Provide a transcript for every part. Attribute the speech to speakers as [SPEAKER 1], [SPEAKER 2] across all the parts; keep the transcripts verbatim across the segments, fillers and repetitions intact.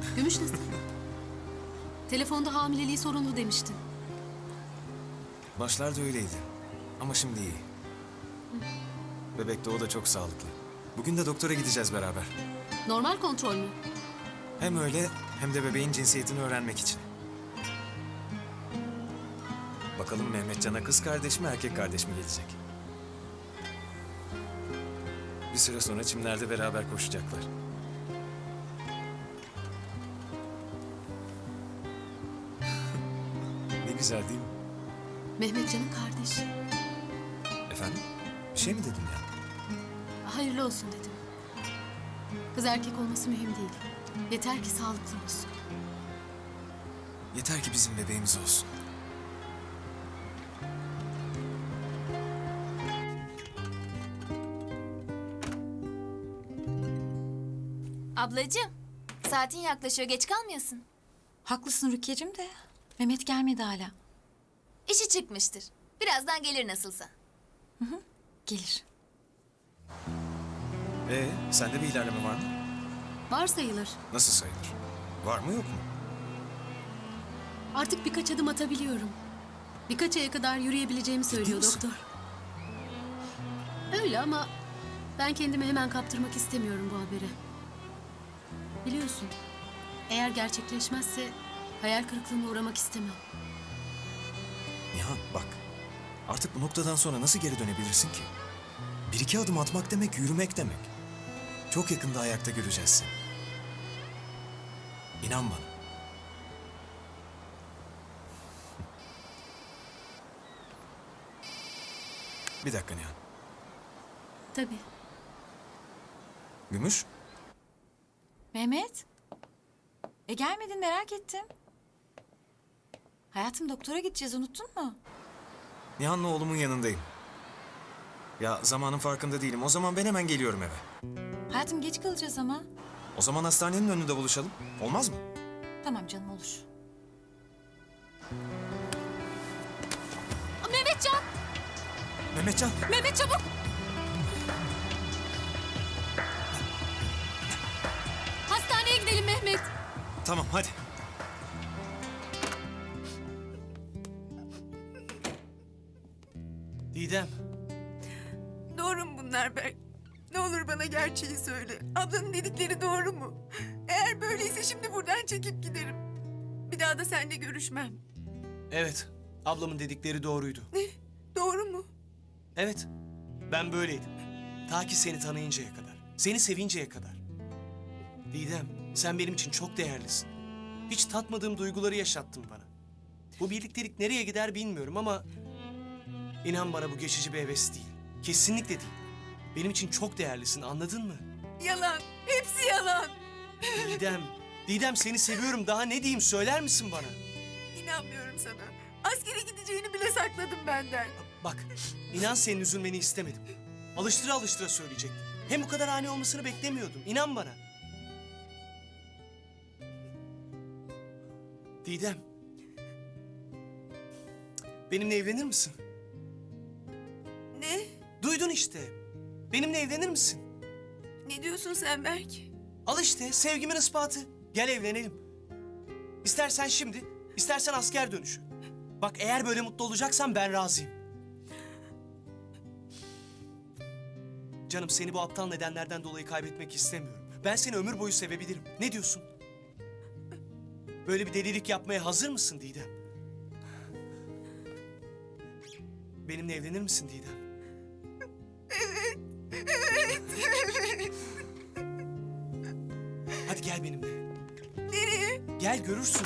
[SPEAKER 1] Gümüş nasıl? Telefonda hamileliği sorunlu demiştin.
[SPEAKER 2] Başlarda öyleydi. Ama şimdi iyi. Bebek de o da çok sağlıklı. Bugün de doktora gideceğiz beraber.
[SPEAKER 1] Normal kontrol mü?
[SPEAKER 2] Hem öyle hem de bebeğin cinsiyetini öğrenmek için. Bakalım Mehmetcan'a kız kardeş mi erkek kardeş mi gelecek? Bir süre sonra çimlerde beraber koşacaklar. Ne güzel değil mi?
[SPEAKER 1] Mehmetcan'ın kardeşi.
[SPEAKER 2] Efendim? Bir şey mi dedim ya?
[SPEAKER 1] Hayırlı olsun dedim. Kız erkek olması mühim değil. Yeter ki sağlıklı olsun.
[SPEAKER 2] Yeter ki bizim bebeğimiz olsun.
[SPEAKER 3] Ablacığım, saatin yaklaşıyor, geç kalmıyorsun.
[SPEAKER 4] Haklısın Rukiye'cim de Mehmet gelmedi hala.
[SPEAKER 3] İşi çıkmıştır. Birazdan gelir nasılsa.
[SPEAKER 4] Gelir.
[SPEAKER 2] Ee, sende bir ilerleme var mı?
[SPEAKER 1] Var sayılır.
[SPEAKER 2] Nasıl sayılır? Var mı yok mu?
[SPEAKER 1] Artık birkaç adım atabiliyorum. Birkaç aya kadar yürüyebileceğimi söylüyor
[SPEAKER 2] misin?
[SPEAKER 1] doktor. Öyle ama ben kendimi hemen kaptırmak istemiyorum bu habere. Biliyorsun, eğer gerçekleşmezse hayal kırıklığına uğramak istemem.
[SPEAKER 2] Nihan bak. Artık bu noktadan sonra nasıl geri dönebilirsin ki? Bir iki adım atmak demek yürümek demek. Çok yakında ayakta göreceğiz seni. İnan bana. Bir dakika Nihan.
[SPEAKER 1] Tabii.
[SPEAKER 2] Gümüş?
[SPEAKER 4] Mehmet. E gelmedin merak ettim. Hayatım doktora gideceğiz unuttun mu?
[SPEAKER 2] Nihan'la oğlumun yanındayım. Ya zamanın farkında değilim. O zaman ben hemen geliyorum eve.
[SPEAKER 4] Hayatım geç kalacağız ama.
[SPEAKER 2] O zaman hastanenin önünde buluşalım. Olmaz mı?
[SPEAKER 4] Tamam canım olur.
[SPEAKER 1] Mehmetcan!
[SPEAKER 2] Mehmetcan.
[SPEAKER 1] Mehmet çabuk! Hastaneye gidelim Mehmet.
[SPEAKER 2] Tamam hadi.
[SPEAKER 5] Didem,
[SPEAKER 6] Doğru mu bunlar Berk? Ne olur bana gerçeği söyle. Ablanın dedikleri doğru mu? Eğer böyleyse şimdi buradan çekip giderim. Bir daha da seninle görüşmem.
[SPEAKER 5] evet. Ablamın dedikleri doğruydu.
[SPEAKER 6] Ne? Doğru mu?
[SPEAKER 5] Evet, ben böyleydim. Ta ki seni tanıyıncaya kadar, seni sevinceye kadar. Didem, sen benim için çok değerlisin. Hiç tatmadığım duyguları yaşattın bana. Bu birliktelik nereye gider bilmiyorum ama... inan bana bu geçici bir heves değil. Kesinlikle değil. Benim için çok değerlisin, anladın mı?
[SPEAKER 6] Yalan. Hepsi yalan.
[SPEAKER 5] Didem, Didem seni seviyorum. Daha ne diyeyim söyler misin bana?
[SPEAKER 6] İnanmıyorum sana. Askere gideceğini bile sakladım benden.
[SPEAKER 5] Bak, inan senin üzülmeni istemedim. Alıştıra alıştıra söyleyecektim. Hem bu kadar ani olmasını beklemiyordum. İnan bana. Didem. Benimle evlenir misin?
[SPEAKER 6] Ne?
[SPEAKER 5] Duydun işte. Benimle evlenir misin?
[SPEAKER 6] Ne diyorsun sen Berk?
[SPEAKER 5] Al işte sevgimin ispatı. Gel evlenelim. İstersen şimdi, istersen asker dönüşü. Bak eğer böyle mutlu olacaksan ben razıyım. Canım seni bu aptal nedenlerden dolayı kaybetmek istemiyorum. Ben seni ömür boyu sevebilirim. Ne diyorsun? Böyle bir delilik yapmaya hazır mısın Didem? Benimle evlenir misin Didem? Hadi gel benimle.
[SPEAKER 6] Nereye?
[SPEAKER 5] Gel görürsün.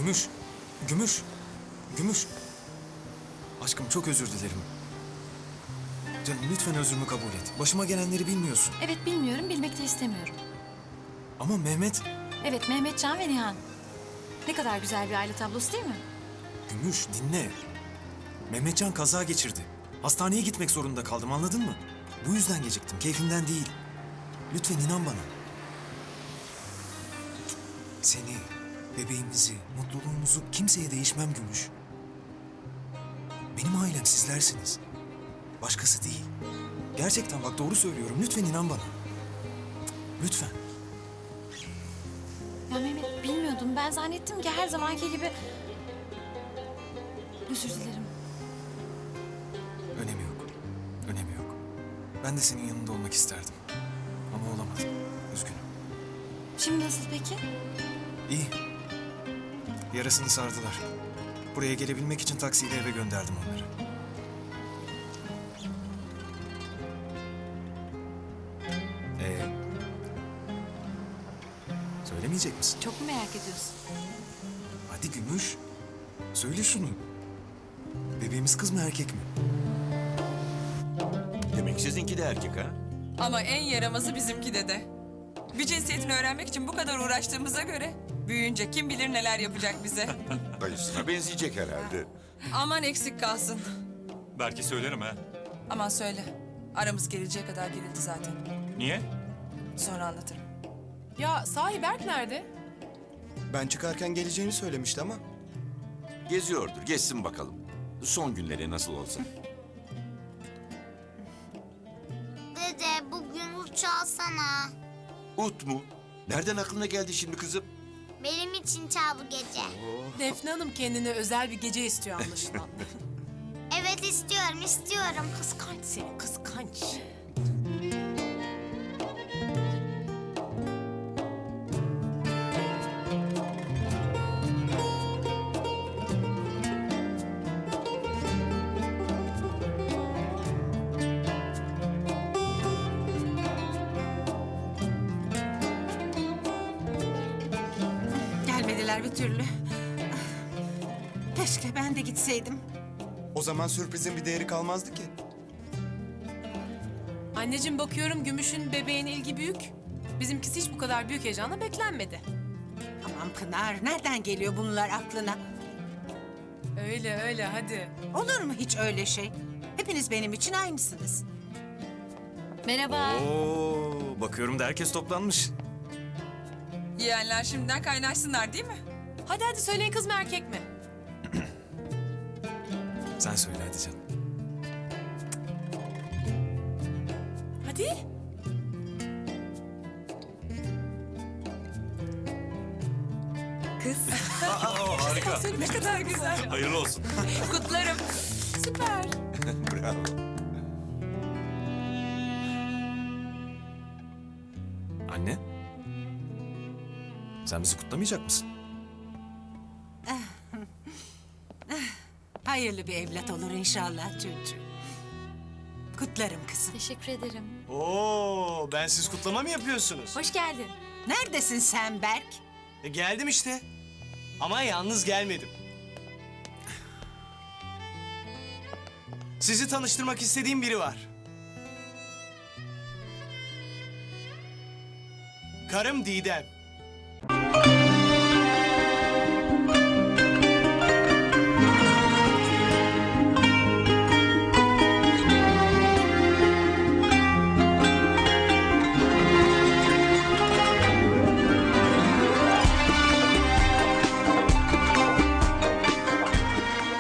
[SPEAKER 2] Gümüş. Gümüş. Gümüş. Aşkım çok özür dilerim. Canım lütfen özrümü kabul et. Başıma gelenleri bilmiyorsun.
[SPEAKER 4] Evet bilmiyorum, bilmek de istemiyorum.
[SPEAKER 2] Ama Mehmet...
[SPEAKER 4] Evet Mehmetcan ve Nihan. Ne kadar güzel bir aile tablosu değil mi?
[SPEAKER 2] Gümüş dinle. Mehmetcan kaza geçirdi. Hastaneye gitmek zorunda kaldım, anladın mı? Bu yüzden geciktim, keyfimden değil. Lütfen inan bana. Seni, bebeğimizi, mutluluğumuzu kimseye değişmem Gümüş. Benim ailem sizlersiniz. Başkası değil. Gerçekten bak doğru söylüyorum. Lütfen inan bana. Lütfen.
[SPEAKER 4] Ya Mehmet bilmiyordum. Ben zannettim ki her zamanki gibi... Özür dilerim.
[SPEAKER 2] Önemi yok. Önemi yok. Ben de senin yanında olmak isterdim. Ama olamadım. Üzgünüm.
[SPEAKER 4] Şimdi nasıl peki?
[SPEAKER 2] İyi. Yarasını sardılar. Buraya gelebilmek için taksiyle eve gönderdim onları. Ee, söylemeyecek misin?
[SPEAKER 4] Çok mu merak ediyorsun?
[SPEAKER 2] Hadi Gümüş. Söyle şunu. Bebeğimiz kız mı erkek mi?
[SPEAKER 7] Demek sizinki de erkek ha?
[SPEAKER 8] Ama en yaramazı bizimki dede. Bir cinsiyetini öğrenmek için bu kadar uğraştığımıza göre büyüyünce kim bilir neler yapacak bize.
[SPEAKER 7] Dayısına benzeyecek herhalde.
[SPEAKER 8] Aman eksik kalsın.
[SPEAKER 9] Belki söylerim ha.
[SPEAKER 8] Aman söyle. Aramız gerileceği kadar gerildi zaten.
[SPEAKER 9] Niye?
[SPEAKER 8] Sonra anlatırım.
[SPEAKER 10] Ya sahi Berk nerede?
[SPEAKER 11] Ben çıkarken geleceğini söylemişti ama.
[SPEAKER 7] Geziyordur, gezsin bakalım. Son günleri nasıl olsa.
[SPEAKER 12] Dede bugün uç alsana.
[SPEAKER 7] Ut mu? Nereden aklına geldi şimdi kızım?
[SPEAKER 12] Benim için çal bu gece.
[SPEAKER 10] Defne Hanım kendine özel bir gece istiyor anlaşılan.
[SPEAKER 12] Evet istiyorum istiyorum.
[SPEAKER 10] Kıskanç seni kıskanç.
[SPEAKER 6] Gelmediler bir türlü. Keşke ben de gitseydim.
[SPEAKER 11] O zaman sürprizin bir değeri kalmazdı ki.
[SPEAKER 10] Anneciğim bakıyorum Gümüş'ün bebeğine ilgi büyük. Bizimkisi hiç bu kadar büyük heyecanla beklenmedi.
[SPEAKER 6] Aman Pınar, nereden geliyor bunlar aklına?
[SPEAKER 10] Öyle öyle hadi.
[SPEAKER 6] Olur mu hiç öyle şey? Hepiniz benim için aynısınız.
[SPEAKER 4] Merhaba.
[SPEAKER 2] Oo, bakıyorum da herkes toplanmış.
[SPEAKER 8] Yeğenler şimdiden kaynaşsınlar değil mi?
[SPEAKER 10] Hadi hadi söyleyin kız mı erkek mi?
[SPEAKER 2] Sen söyle hadi canım.
[SPEAKER 10] Hadi.
[SPEAKER 9] Harika.
[SPEAKER 8] Ne kadar güzel.
[SPEAKER 9] Hayırlı olsun.
[SPEAKER 8] Kutlarım. Süper.
[SPEAKER 7] Bravo.
[SPEAKER 2] Anne. Sen bizi kutlamayacak mısın?
[SPEAKER 6] Hayırlı bir evlat olur inşallah çocuğum. Kutlarım kızım.
[SPEAKER 4] Teşekkür ederim.
[SPEAKER 5] Oo, ben siz kutlama mı yapıyorsunuz?
[SPEAKER 4] Hoş geldin.
[SPEAKER 6] Neredesin sen Berk?
[SPEAKER 5] E, geldim işte. Ama yalnız gelmedim. Sizi tanıştırmak istediğim biri var. Karım Didem.